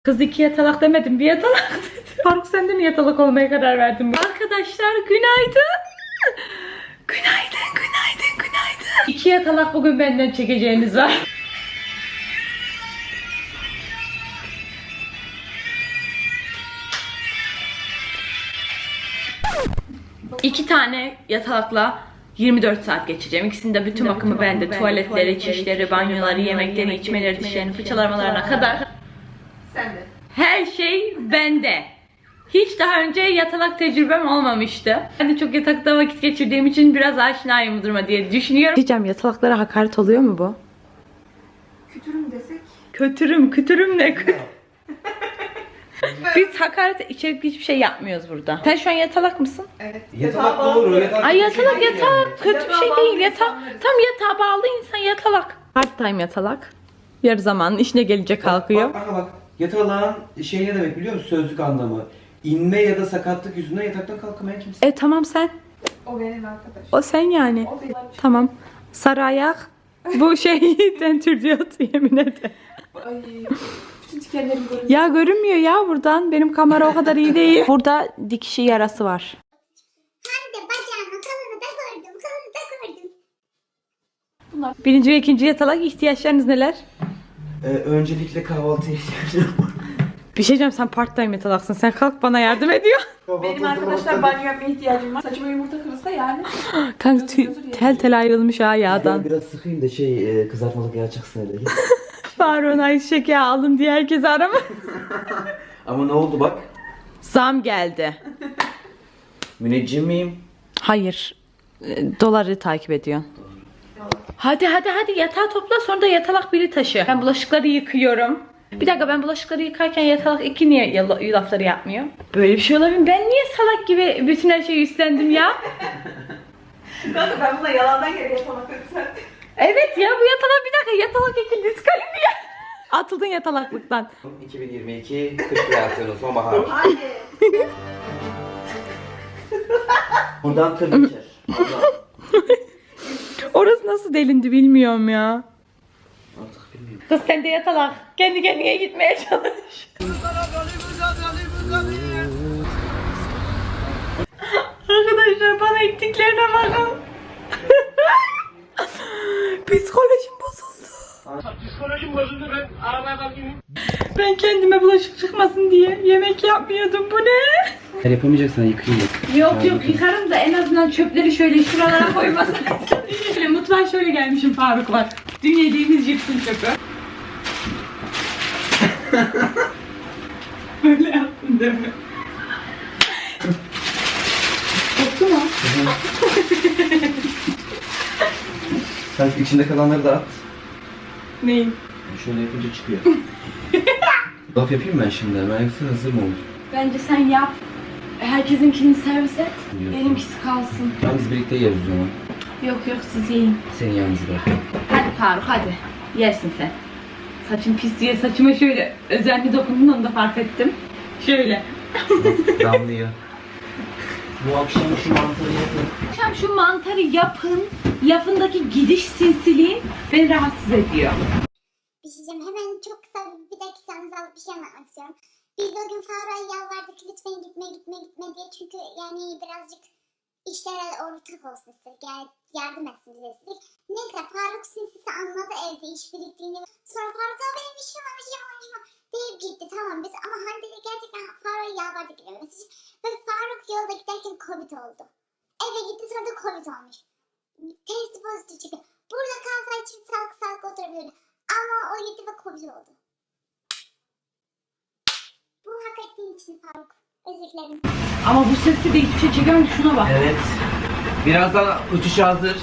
Kız iki yatalak demedim, bir yatalak dedim. Faruk sen de mi yatalak olmaya karar verdin? Arkadaşlar günaydın. Günaydın, günaydın, günaydın. İki yatalak bugün benden çekeceğiniz var. İki tane yatalakla 24 saat geçeceğim. İkisinde bütün bakımı bende. Tuvaletleri, çişleri, banyoları, yemekleri, içmeleri, dişlerini fırçalamalarına kadar. Sen de. Her şey bende. Hiç daha önce yatalak tecrübem olmamıştı. Ben de çok yatakta vakit geçirdiğim için biraz aşinayım bu duruma diye düşünüyorum. Diyeceğim, yatalaklara hakaret oluyor mu bu? Kütürüm desek. Kötürüm ne? Biz hakaret içerikli hiçbir şey yapmıyoruz burada. Sen şu an yatalak mısın? Evet. Yatalak doğru. Ay yatalak kötü bir şey değil. Tam yatağa bağlı insan yatalak. Part time yatalak. Yarı zaman işine gelince kalkıyor. Bak. Yatalağın şey ne demek biliyor musun? Sözlük anlamı. İnme ya da sakatlık yüzünden yataktan kalkamayan kimse. Tamam sen. O benim arkadaşım. O sen yani. O benim. Tamam. Sarı ayak. Bu şeyden tür diyor yemin ederim. Ay. Bütün dikenlerim görünüyor. Ya görünmüyor ya buradan. Benim kamera o kadar iyi değil. Burada dikişi yarası var. Hem de bacağımı kalını da gördüm. Birinci ve ikinci yatalak ihtiyaçlarınız neler? Öncelikle kahvaltıya ihtiyacım var. Bir şey diyeceğim, sen part time yatalaksın. Sen kalk bana yardım ediyor. Benim arkadaşlar banyo yapmaya ihtiyacım var. Saçıma yumurta kırılsa yani. Kanka tel tel ayrılmış ha yağdan. Biraz sıkayım da kızartmalık yağ çıksın hele. Faruk'un ayçiçek yağı alın diye herkes arama. Ama ne oldu bak? Zam geldi. Müneccim miyim? Hayır. Doları takip ediyor. Hadi yatağı topla, sonra da yatalak biri taşı. Ben bulaşıkları yıkıyorum. Bir dakika, ben bulaşıkları yıkarken yatalak iki niye lafları yapmıyor? Böyle bir şey olabilir mi? Ben niye salak gibi bütün her şeyi üstlendim ya? Kanka ben buna yalandan geri yapmak istedim. Evet ya, bu yatalak bir dakika, yatalak iki diskalifiye. Atıldın yatalaklıktan. 2022 kış reaksiyonu sonbahar. Hadi. Buradan tır geçer. Orası nasıl delindi bilmiyorum ya. Artık bilmiyorum. Kız sen de yatalak. Kendi kendine gitmeye çalış. Arkadaşlar bana ettiklerine bakın. Psikolojim bozuldu. Psikolojim bozuldu, ben arabaya kalkayım. Ben kendime bulaşık çıkmasın diye yemek yapmıyordum. Bu ne? Eğer yapamayacaksan yıkayayım. Yok yıkarım da en azından çöpleri şöyle şuralara koymasın. Şöyle mutfağa şöyle gelmişim Faruk var. Dün yediğimiz cipsin çöpü. Böyle yaptın değil mi? Koktu mu? Sen içinde kalanları da at. Neyin? Şöyle yapınca çıkıyor. Laf yapayım ben şimdi. Ben yoksa hazır mı olur? Bence sen yap. Herkesinkini servis et. Biliyorsun. Benimkisi kalsın. Tamam biz birlikte yeriz o zaman. Yok siz yiyin. Seni yalnız bırak. Hadi Faruk hadi. Yersin sen. Saçım pis diye saçıma şöyle özenli dokundun, onu da fark ettim. Şöyle. Damlıyor. Bu akşam şu mantarı yapın. Akşam şu mantarı yapın. Lafındaki gidiş sinsiliğin beni rahatsız ediyor. Bir şey diyeceğim. Hemen çok kısa bir dakikanızı alıp bir şey anlatmak istiyorum. Biz o gün Faruk'a yalvardık lütfen gitme diye. Çünkü yani birazcık işlere ortak olsun istedik. Yani yardım etsin bize istedik. Neyse Faruk sinsisi anladı evde iş biriktiğini. Sonra Faruk'a benim işim var deyip gitti, tamam biz. Ama Hande de gerçekten Faruk'a yalvardık gitmemesi için. Ve Faruk yolda giderken Covid oldu. Eve gitti, sonra da Covid olmuş. Testi pozitif çıktı. Burada kalsaydı çift sağlık oturabilirdi. Ama o gitti ve Covid oldu. Bu hak ettiğin için Faruk. Özür dilerim. Ama bu sesle de hiçbir şey çekemem, şuna bak. Evet. Birazdan uçuş hazır.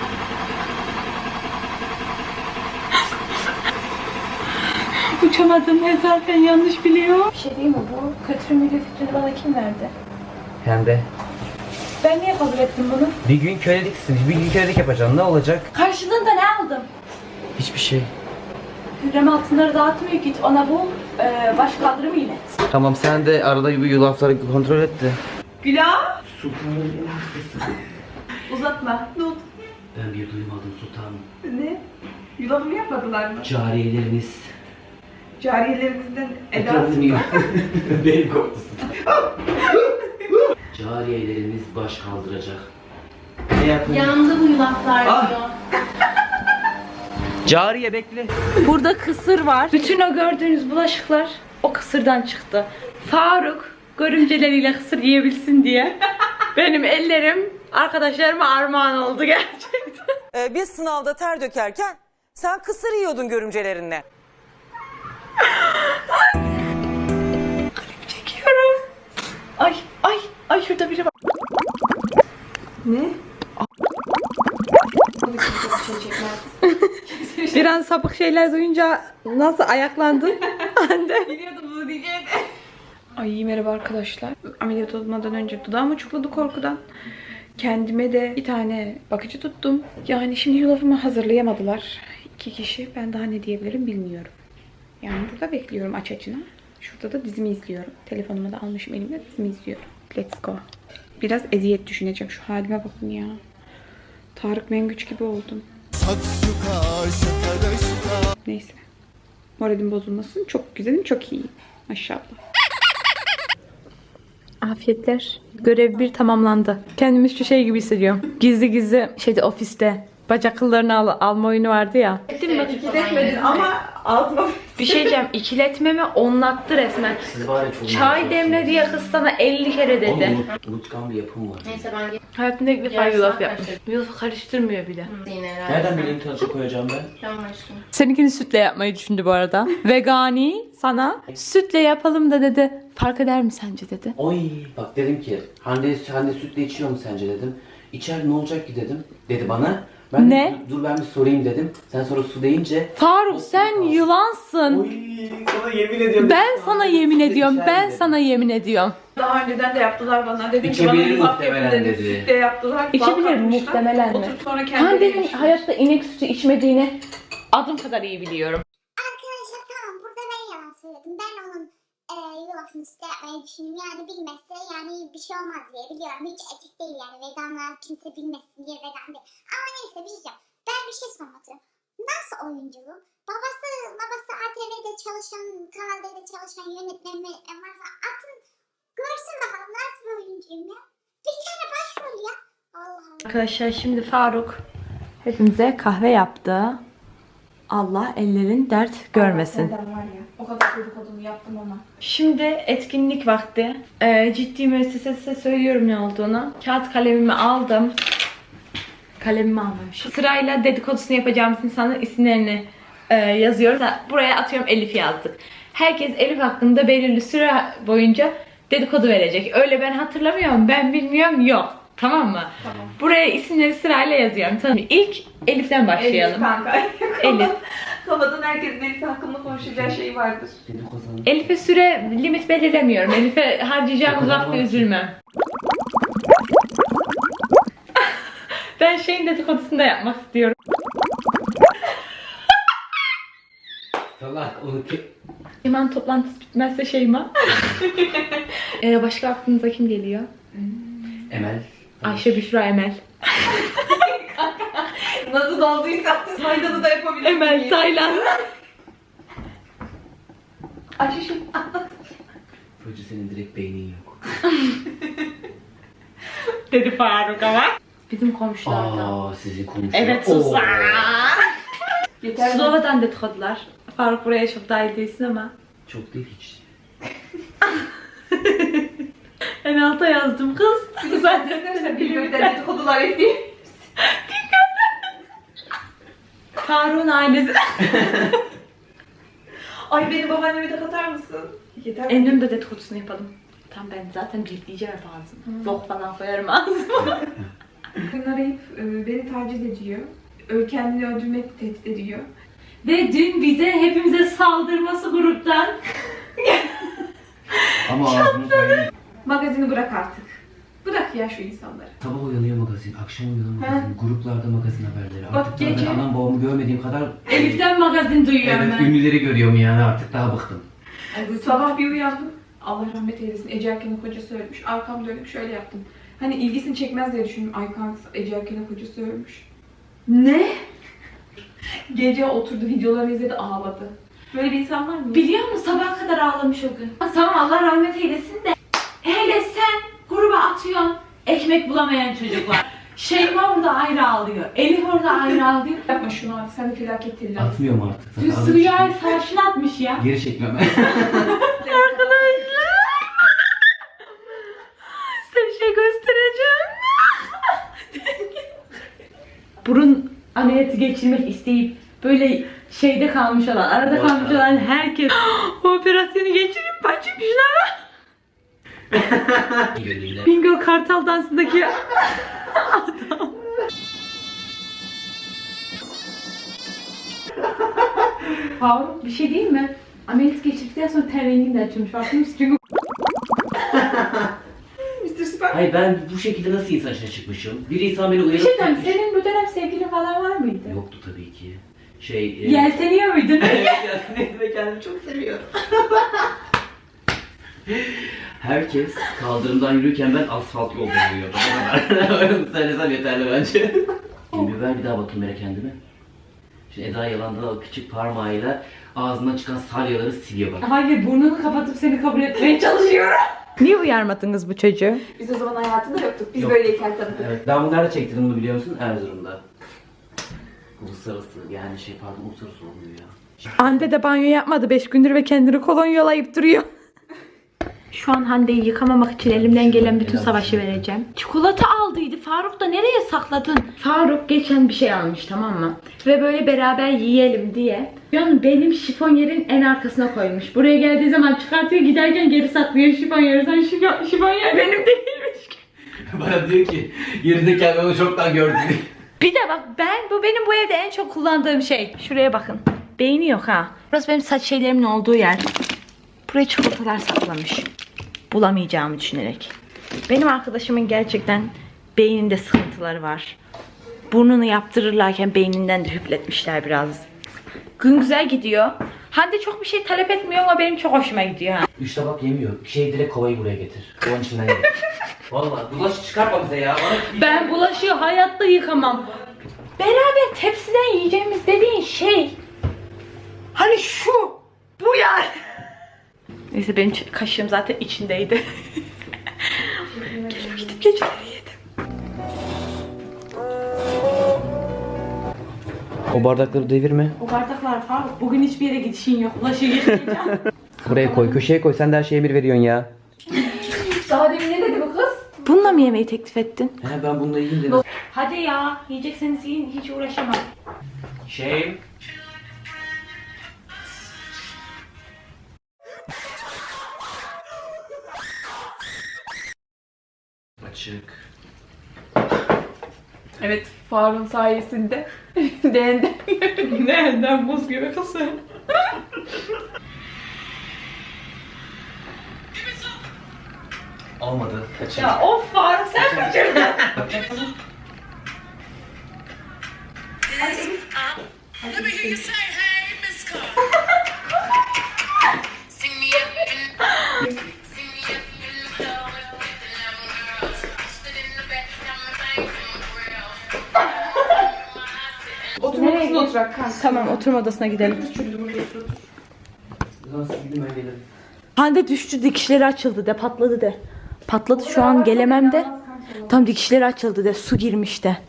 Uçamadım, mesafen yanlış biliyor. Bir şey değil mi, bu kötü video fikrini bana kim verdi? Hem de. Ben niye kabul ettim bunu? Bir gün köleliksin. Bir gün kölelik yapacaksın. Ne olacak? Karşılığında ne aldım? Hiçbir şey. Hürrem altınları dağıtmıyor, git ona bul, baş kaldırımı ilet. Tamam sen de arada bir yulafları kontrol et de. Gülah! Sultanın en hastası. Uzatma. Ne oldu? Ben bir duymadım sultanım. Ne? Yulafımı yapmadılar mı? Cariyeleriniz Cariyelerimizden Eda. Etrafını yiyor. Benim korktum. Cariyelerimiz baş kaldıracak. Ne yapayım? Yandı bu yulaflar Ah! diyor. Cariye bekle. Burada kısır var. Bütün o gördüğünüz bulaşıklar o kısırdan çıktı. Faruk görümceleriyle kısır yiyebilsin diye benim ellerim arkadaşlarıma armağan oldu gerçekten. Biz sınavda ter dökerken sen kısır yiyordun görümcelerinle. Çekiyorum. Ay şurada biri var. Ne? Bir an sapık şeyler duyunca nasıl ayaklandın? Hande. Biliyordum bunu diyeceğini. Ay merhaba arkadaşlar. Ameliyat olmadan önce dudağım uçukladı korkudan. Kendime de bir tane bakıcı tuttum. Yani şimdi yulafımı hazırlayamadılar. 2 kişi. Ben daha ne diyebilirim bilmiyorum. Yani burada bekliyorum aç açına. Şurada da dizimi izliyorum. Telefonumu da almışım elimde dizimi izliyorum. Let's go. Biraz eziyet düşüneceğim. Şu halime bakın ya. Tarık Mengüç gibi oldum. Neyse. Moralim bozulmasın. Çok güzelim, çok iyiyim. Maşallah. Afiyetler. Görev 1 tamamlandı. Kendimi şu şey gibi hissediyorum. Gizli gizli ofiste bacak kıllarını alma oyunu vardı ya. Ettin mi? Gidetmedin ama ağzıma... Bir şey diyeceğim. İkiletmemi onlattı resmen. Siz var ya çok Çay demle diye kız sana 50 kere dedi. Unutkan bir yapım var. Neyse ben Hayatımda ilk defa yulaf yapmış. Yulafı karıştırmıyor bile. yine herhalde. Nereden bileyim tadına koyacağım ben? Tamam aşkım. Seninkini sütle yapmayı düşündü bu arada. Vegani sana sütle yapalım da dedi. Fark eder mi sence dedi. Oy bak dedim ki Hande sütle içiyor mu sence dedim. İçer ne olacak ki dedim. Dedi bana. Ben Ne? Dur ben bir sorayım dedim. Sen sonra su deyince. Faruk sen yılansın. Oy sana yemin ediyorum. Ben sana yemin ediyorum. Ben sana yemin ediyorum. Daha önceden de yaptılar bana. Dedim ki bana İçebilir yulaf yapın muhtemelen dedim. dedi. Sütle yaptılar. İçebilir bal katmışlar. muhtemelen mi? Oturup sonra kendileri Hande'nin yemişler. hayatta inek sütü içmediğini adım kadar iyi biliyorum. Arkadaşlar tamam burada ben yalan söyledim. Ben onun yulafını sütle yapmayı düşündüm. Yani bilmezse yani bir şey olmaz diye biliyorum. Hiç etik değil yani veganlar kimse bilmesin diye vegan değil. Ama neyse bir şey diyeceğim. Ben bir şey sormak istiyorum. Nasıl oyunculuğum? Babası ATV'de çalışan, Kanal D'de çalışan yönetmen varsa atın görsün bakalım nasıl bir oyuncuyum ya. Bir tane başrol ya. Allah Allah. Arkadaşlar şimdi Faruk hepimize kahve yaptı. Allah ellerin dert görmesin. Neden var ya? O kadar dedikodunu yaptım ama. Şimdi etkinlik vakti. Ciddi müessesese söylüyorum ne olduğunu. Kağıt kalemimi aldım. Kalemimi almamışım. Sırayla dedikodusunu yapacağımız insanların isimlerini yazıyoruz. Buraya atıyorum Elif yazdık. Herkes Elif hakkında belirli süre boyunca dedikodu verecek. Öyle ben hatırlamıyorum, ben bilmiyorum, yok. Tamam mı? Tamam. Buraya isimleri sırayla yazıyorum. Tamam. İlk Elif'ten başlayalım. Elif kanka. Elif. Kafadan herkesin Elif hakkında konuşacağı şey vardır. Dedim kazandım. Elif'e süre limit belirlemiyorum. Elif'e harcayacağımız vakti üzülmem. Ben şeyin dedikodusunu da yapmak istiyorum. Salak onu Şeyma'nın toplantısı bitmezse Şeyma. Başka aklınıza kim geliyor? Emel. Ayşe, Büşra, Emel. Nasıl olduysa faydalı da yapabilirim. Emel, Taylan. Ayşe Hoca senin direkt beynin yok. Dedi Faruk ama. Bizim komşularda. Aa sizin komşular. Evet sus. Oo. yeter. Slova'dan dedikodular. Faruk buraya çok dahil değilsin ama. Çok değil hiç. En alta yazdım kız. Zaten Birbirinden dedikodular ettiğim. Faruk'un ailesi. Ay benim babaannemi de katar mısın? Yeter. Endü'nün de dedikodusunu yapalım. Tam ben zaten bipleyeceğim hep ağzımı. Bok falan koyarım ağzıma. Bugün arayıp beni taciz ediyor. Kendini öldürmek tehdit ediyor. Ve dün bize hepimize saldırması gruptan. Ama ağzını koyayım. Magazini bırak artık. Bırak ya şu insanları. Sabah uyanıyor magazin, akşam uyanıyor magazin, gruplarda magazin haberleri. Bak Artık daha gece- ben anam babamı görmediğim kadar Elif'ten magazin duyuyorum evet, ben. ünlüleri görüyorum yani artık daha bıktım. Sabah bir uyandım. Allah rahmet eylesin. Ece Erken'in kocası ölmüş. Arkam dönüp şöyle yaptım. Hani ilgisini çekmez diye düşündüm. Ay kanka Ece Erken'in kocası ölmüş. Ne? Gece oturdu videolarını izledi ağladı. Böyle bir insan var mı? Biliyor musun sabaha kadar ağlamış o gün. Tamam Allah rahmet eylesin de. Hele sen gruba atıyorsun ekmek bulamayan çocuklar. Şeyma orada ayrı ağlıyor. Elif orada ayrı ağlıyor. Yapma şunu abi. Sen de felaket telaş. Atmıyorum artık. Dün Süreyya savaşını atmış ya. Geri çekmem. Arkadaşlar. Size bir şey göstereceğim. Burun ameliyatı geçirmek isteyip böyle şeyde kalmış olan, arada kalmış olan herkes o operasyonu geçirip başlamışlar. Bingo Kartal dansındaki adam. Faruk bir şey değil mi? Ameliyat geçirdikten sonra ten rengin de açılmış. Farkında mısın? Çünkü Mr. Spam. Hayır ben bu şekilde nasıl insan dışına çıkmışım? Bir insan beni bir uyarıp... şey diyeyim, senin bu dönem sevgilin falan var mıydı? Yoktu tabii ki. Şey... Yelteniyor muydun? Ve kendimi çok seviyorum. Herkes kaldırımdan yürürken ben asfalt yolda yürüyordum. O kadar. Öyle söylesem yeterli bence. Şimdi ver bir daha bakayım böyle kendime. Şimdi Eda yalanda da küçük parmağıyla ağzından çıkan salyaları siliyor bak. Hayır burnunu kapatıp seni kabul etmeye çalışıyorum. Niye uyarmadınız bu çocuğu? Biz o zaman hayatında yoktuk. Biz Yok. böyleyken tanıdık. Evet, ben bunu nerede çektirdim bunu biliyor musun? Erzurum'da. Uluslararası yani uluslararası olmuyor ya. Hande de banyo yapmadı 5 gündür ve kendini kolonyalayıp duruyor. Şu an Hande'yi yıkamamak için elimden gelen bütün savaşı vereceğim. Çikolata aldıydı. Faruk da nereye sakladın? Faruk geçen bir şey almış tamam mı? Ve böyle beraber yiyelim diye. Yani benim şifonyerin en arkasına koymuş. Buraya geldiği zaman çıkartıyor giderken geri saklıyor şifonyeri. Sen şifonyer benim değilmiş ki. Bana diyor ki gerizekalı onu çoktan gördün. Bir de bak bu benim bu evde en çok kullandığım şey. Şuraya bakın. Beyni yok ha. Burası benim saç şeylerimin olduğu yer. Buraya çikolatalar saklamış. Bulamayacağımı düşünerek. Benim arkadaşımın gerçekten beyninde sıkıntıları var. Burnunu yaptırırlarken beyninden de hüpletmişler biraz. Gün güzel gidiyor. Hande çok bir şey talep etmiyor ama benim çok hoşuma gidiyor. Ha. 3 tabak yemiyor. Direkt kovayı buraya getir. Kovanın içinden ye. Valla bulaşı çıkartma bize ya. Ben bulaşığı hayatta yıkamam. Beraber tepsiden yiyeceğimiz dediğin şey. Hani şu. Bu yani. Neyse benim kaşığım zaten içindeydi. Gelip gidip geceleri yedim. O bardakları devirme. O bardaklar Faruk. Bugün hiçbir yere gidişin yok. Bulaşığı yıkayacağım. Buraya koy, köşeye koy. Sen de her şeye bir veriyorsun ya. Daha demin ne dedi bu kız? Bununla mı yemeği teklif ettin? He ben bunu da yiyeyim dedim. Hadi ya. Yiyecekseniz yiyin. Hiç uğraşamam. Şey. Açık. Evet, Faruk'un sayesinde değenden Nereden buz gibi kızım? Olmadı. Kaçır. Ya of Faruk sen kaçırdın. Let me hear you say, hey, Miss Carr. Sing me up in sing me up in the club with the young girls. Stood in the back, got my thing from the grill. oturma odasına oturak kanka. Tamam oturma odasına gidelim. Nasıl gideyim ben gelirim. Hande düştü dikişleri açıldı de patladı de. Patladı şu an gelemem de. Tam dikişleri açıldı de su girmiş de.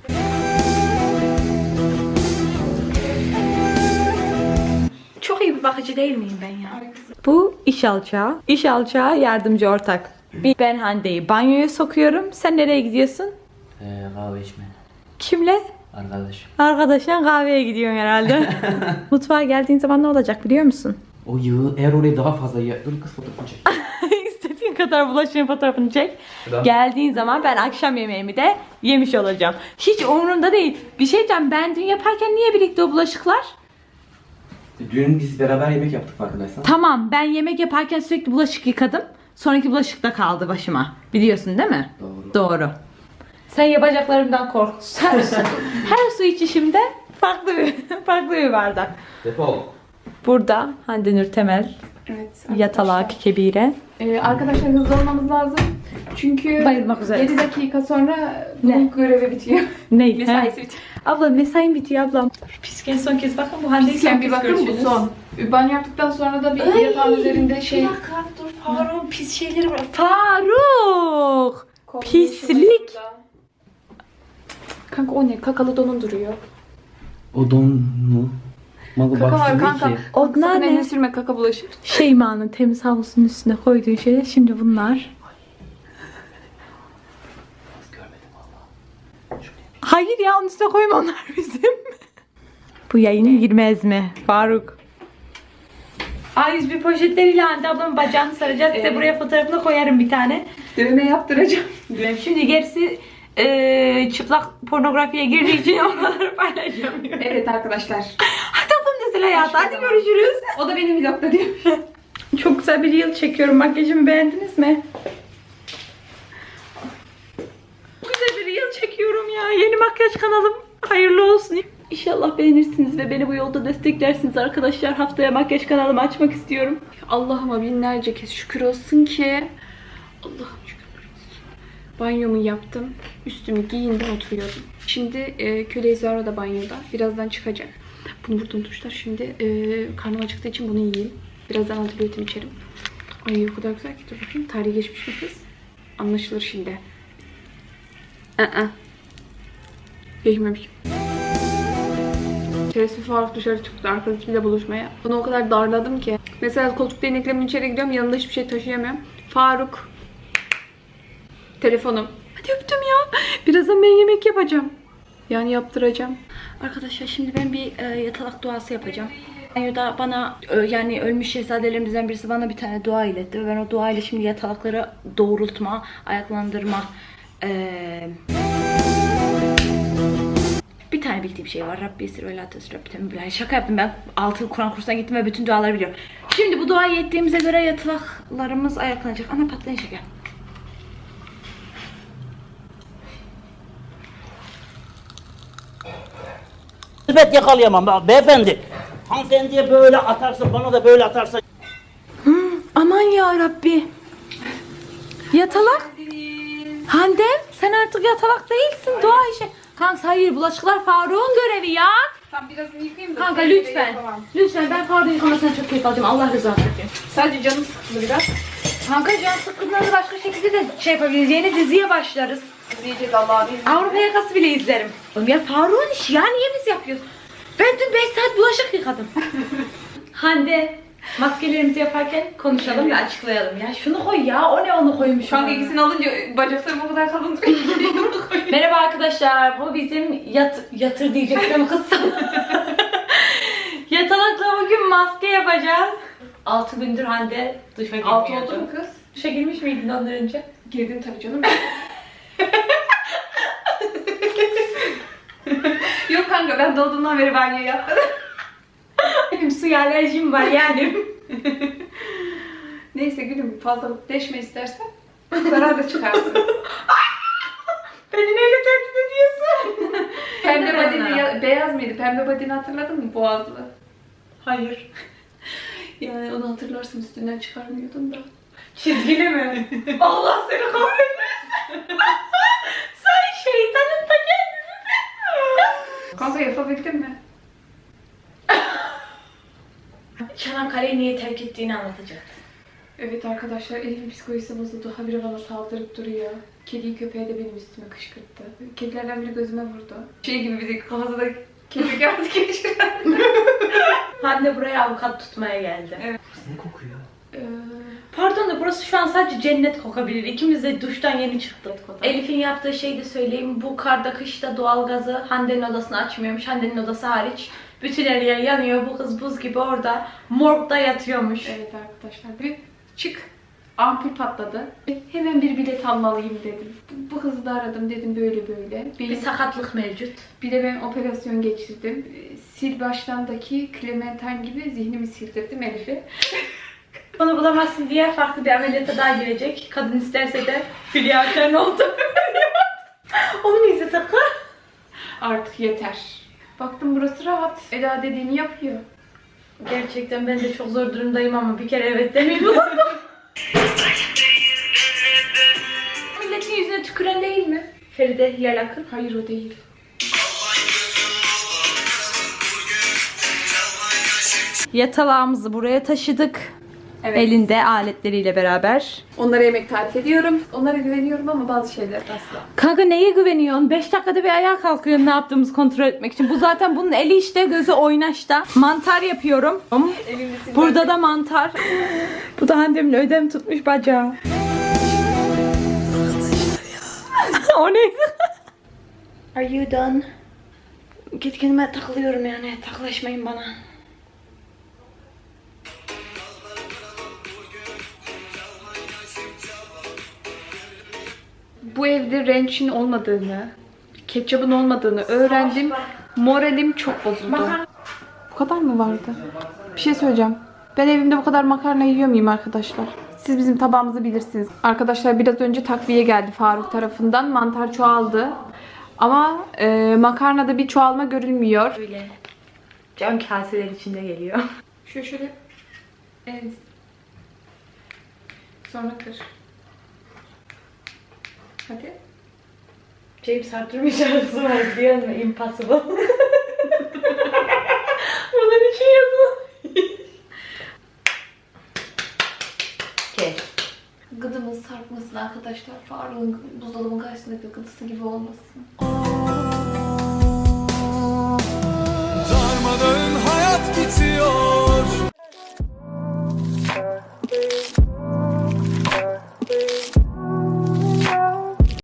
Çok iyi bir bakıcı değil miyim ben ya? Bu iş alçağı. İş alçağı yardımcı ortak. Ben Hande'yi banyoya sokuyorum. Sen nereye gidiyorsun? Kahve içme. Kimle? Arkadaş. Arkadaşla kahveye gidiyorsun herhalde. Mutfağa geldiğin zaman ne olacak biliyor musun? O yağı eğer orayı daha fazla dur kız fotoğrafını çek. İstediğin kadar bulaşığın fotoğrafını çek. Şuradan. Geldiğin zaman ben akşam yemeğimi de yemiş olacağım. Hiç umurumda değil. Bir şey diyeceğim, ben dün yaparken niye birlikte o bulaşıklar? Dün biz beraber yemek yaptık farkındaysan. Tamam, ben yemek yaparken sürekli bulaşık yıkadım. Sonraki bulaşık da kaldı başıma. Biliyorsun değil mi? Doğru. Doğru. Sen yapacaklarımdan kork. Her su içişimde farklı bir bardak. Defol. Burada Hande Nur Temel Evet. Yatalak kebire. Arkadaşlar hızlı olmamız lazım. Çünkü Bayılmak üzereyiz. 7 dakika sonra Ne? bu görevi bitiyor. Ne? Mesaisi bitiyor. Abla mesain bitiyor ablam. Pisken son kez bakın bu Hande'yi son Pisken bir kez bakın bu görüşürüz. son. Banyo yaptıktan sonra da bir yatağın üzerinde şey... Bir dakika dur Faruk pis şeyleri var. Faruk! Pislik. Kanka o ne? Kakalı donun duruyor. O don mu? Malı Kaka var baksın kanka. ki. Onlar Sakın ne? eline sürme, kaka bulaşır. Şeyma'nın temiz havlusunun üstüne koyduğu şeyler. Şimdi bunlar. Hayır ya onun üstüne koyma onlar bizim. Bu yayına girmez mi Faruk? A101 poşetleriyle Hande ablamın bacağını saracağız. Size buraya fotoğrafını koyarım bir tane. Dövme yaptıracağım. Şimdi gerisi çıplak pornografiye girdiği için onları paylaşamıyorum. Evet arkadaşlar. Hadi ablam mesela ya. Hadi görüşürüz. O da benim vlogda diyor. Çok güzel bir reel çekiyorum. Makyajımı beğendiniz mi? Güzel bir reel çekiyorum ya. Yeni makyaj kanalım. Hayırlı olsun. İnşallah beğenirsiniz ve beni bu yolda desteklersiniz arkadaşlar. Haftaya makyaj kanalımı açmak istiyorum. Allah'ıma binlerce kez şükür olsun ki. Allah'ım şükürler olsun. Banyomu yaptım. Üstümü giyindim, oturuyordum. Şimdi köle Zara da banyoda. Birazdan çıkacak. Bunu buradan unutmuşlar. Şimdi karnım acıktığı için bunu yiyeyim. Birazdan antibiyotim içerim. Ay o kadar güzel ki, dur bakayım. Tarihi geçmiş bir kız. Anlaşılır şimdi. Geçmemiş. Şerefsiz Faruk dışarı çıktı arkadaşıyla buluşmaya. Bunu o kadar darladım ki. Mesela koltuk değneklerimin içeri gidiyorum, yanımda hiçbir şey taşıyamıyorum. Faruk. Telefonum. Hadi öptüm ya. Birazdan ben yemek yapacağım. Yani yaptıracağım. Arkadaşlar şimdi ben bir yatalak duası yapacağım. Banyoda bana yani ölmüş şehzadelerimizden birisi bana bir tane dua iletti. Ve ben o dua ile şimdi yatalakları doğrultma, ayaklandırma, bir tane bildiğim şey var. Rabbi esir ve la tesir Rabbi temel. Şaka yaptım ben. 6 Kur'an kursuna gittim ve bütün duaları biliyorum. Şimdi bu duayı ettiğimize göre yatalaklarımız ayaklanacak. Ana patlayın şeker. Elbet yakalayamam beyefendi. Hanımefendiye böyle atarsa, bana da böyle atarsa. Aman ya Rabbi. Yatalak. Handem sen artık yatalak değilsin. Dua işi. Kanka hayır bulaşıklar Faruk'un görevi ya. Tam biraz yıkayayım da. Kanka lütfen. Lütfen ben Faruk'un yıkamasına çok keyif alacağım. Allah rızası için. Sadece canım sıkıldı biraz. Kanka can sıkıntıları başka şekilde de şey yapabiliriz. Yeni diziye başlarız. İzleyeceğiz Allah'ın izniyle. Avrupa Yakası bile izlerim. Oğlum ya Faruk'un işi ya niye biz yapıyoruz? Ben dün 5 saat bulaşık yıkadım. Hande maskelerimizi yaparken konuşalım ve açıklayalım ya. Şunu koy ya. O ne onu koymuş. Kanka ikisini alınca bacaklarım o kadar kalın duruyor. Merhaba arkadaşlar. Bu bizim yatır diyecektim kız sana. Yatalakla bugün maske yapacağız. 6 gündür Hande duşa girmiyordu. 6 oldu mu kız? Duşa girmiş miydin ondan önce? Girdim tabii canım. Yok kanka ben doğduğumdan beri banyo yapmadım. Benim su alerjim var yani. Neyse gülüm fazla deşme istersen zarar da çıkarsın. Beni neyle tehdit ediyorsun? Pembe badini beyaz mıydı? Pembe badini hatırladın mı? Boğazlı. Hayır. Yani onu hatırlarsın, üstünden çıkarmıyordun da. Çizgili mi? Allah seni kahretmesin. Sen şeytanın ta kendisisin. Kanka yapabildin mi? Çanakkale'yi niye terk ettiğini anlatacak. Evet arkadaşlar, Elif'in psikolojisi bozuldu. Habire bana saldırıp duruyor. Kediyi köpeği de benim üstüme kışkırttı. Kedilerden biri gözüme vurdu. Şey gibi bizi kafasında kedi geldi geçiren. Hande buraya avukat tutmaya geldi. Evet. Ne kokuyor? Pardon da burası şu an sadece cennet kokabilir. İkimiz de duştan yeni çıktık. Elif'in yaptığı şeyi de söyleyeyim. Bu karda kışta doğalgazı Hande'nin odasını açmıyormuş. Hande'nin odası hariç. Bütün her yer yanıyor. Bu kız buz gibi orada morgda yatıyormuş. Evet arkadaşlar, bir çık. Ampul patladı. Hemen bir bilet almalıyım dedim. Bu kızı da aradım, dedim böyle böyle. Bir sakatlık mevcut. Bir de ben operasyon geçirdim. Sil başlandaki Clementine gibi zihnimi sildirdim Elif'e. Onu bulamazsın diye farklı bir ameliyata daha girecek. Kadın isterse de Hülya Avşar'ın oldu. Onu mu izlesek? Artık yeter. Baktım burası rahat. Eda dediğini yapıyor. Gerçekten ben de çok zor durumdayım ama bir kere evet demeyi Milletin yüzüne tüküren değil mi? Feride Hilal Akın. Hayır o değil. Yatalağımızı buraya taşıdık. Evet. Elinde aletleriyle beraber. Onlara yemek tarif ediyorum. Onlara güveniyorum ama bazı şeyler asla. Kanka neye güveniyorsun? 5 dakikada bir ayağa kalkıyorsun ne yaptığımızı kontrol etmek için. Bu zaten bunun eli işte, gözü oynaşta. Mantar yapıyorum. Burada da mantar. Bu da Hande'min ödem tutmuş bacağı. O neydi? Are you done? Git kendime takılıyorum yani. Taklaşmayın bana. Bu evde ranch'in olmadığını, ketçapın olmadığını öğrendim. Moralim çok bozuldu. Bu kadar mı vardı? Bir şey söyleyeceğim. Ben evimde bu kadar makarna yiyor muyum arkadaşlar? Siz bizim tabağımızı bilirsiniz. Arkadaşlar biraz önce takviye geldi Faruk tarafından. Mantar çoğaldı. Ama makarnada bir çoğalma görülmüyor. Böyle cam kaseler içinde geliyor. Şöyle. Evet. Sonra kır. Hadi. James Arthur'un şarkısı var biliyor musun? Impossible. Bunun için yazılı. Kes. Gıdımız sarkmasın arkadaşlar. Faruk'un buzdolabının karşısındaki gıdısı gibi olmasın. Darmadağın